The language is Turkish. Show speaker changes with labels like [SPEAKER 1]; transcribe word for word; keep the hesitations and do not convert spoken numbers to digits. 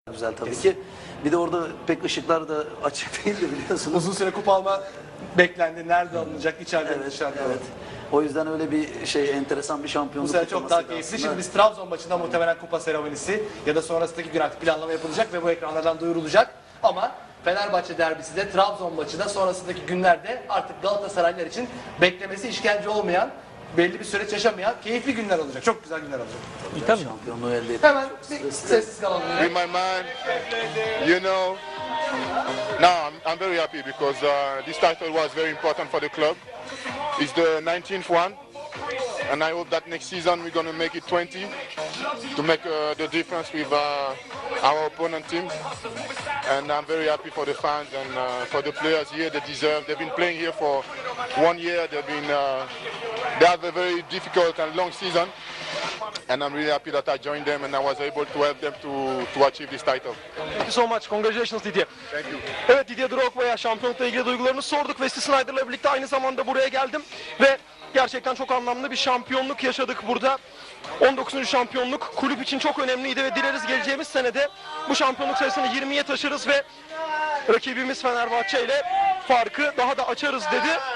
[SPEAKER 1] Güzel tabii ki. Bir de orada pek ışıklar da açık değildi biliyorsunuz.
[SPEAKER 2] Uzun süre kupa alma beklendi. Nerede alınacak? İçeride mi
[SPEAKER 1] Evet,
[SPEAKER 2] dışarıda mı?
[SPEAKER 1] evet. O yüzden öyle bir şey enteresan bir
[SPEAKER 2] Bu
[SPEAKER 1] şampiyonluk
[SPEAKER 2] sene çok
[SPEAKER 1] kutlaması
[SPEAKER 2] daha
[SPEAKER 1] da
[SPEAKER 2] keyifli.
[SPEAKER 1] aslında.
[SPEAKER 2] Şimdi biz Trabzon maçında muhtemelen kupa seremonisi ya da sonrasındaki gün artık planlama yapılacak ve bu ekranlardan duyurulacak. Ama Fenerbahçe derbisi de Trabzon maçı da sonrasındaki günlerde artık Galatasaraylılar için beklemesi işkence olmayan, belli bir süreç yaşamayan keyifli günler olacak. Çok güzel günler olacak.
[SPEAKER 1] Tabii, şampiyonluğu elde ettik.
[SPEAKER 2] Hemen
[SPEAKER 1] Çok
[SPEAKER 2] bir
[SPEAKER 1] stresli.
[SPEAKER 2] sessiz kalalım.
[SPEAKER 3] In my mind, you know, now I'm, I'm very happy because uh, this title was very important for the club. It's the nineteenth one, and I hope that next season we're going to make it twenty to make uh, the difference with uh, our opponent team. And I'm very happy for the fans and uh, for the players here. They deserve. They've been playing here for one year. They've been uh, they have a very difficult and long season. And I'm really happy that I joined them and I was able to help them to, to achieve this title.
[SPEAKER 4] Thank you so much. Congratulations Didier.
[SPEAKER 3] Thank you.
[SPEAKER 4] Evet, Didier Drogba'ya şampiyonlukla ilgili duygularını sorduk. Wesley Sneijder'la birlikte aynı zamanda buraya geldim. Ve gerçekten çok anlamlı bir şampiyonluk yaşadık burada. on dokuzuncu şampiyonluk kulüp için çok önemliydi ve dileriz geleceğimiz senede bu şampiyonluk sayısını yirmiye taşırız ve rakibimiz Fenerbahçe ile farkı daha da açarız dedi.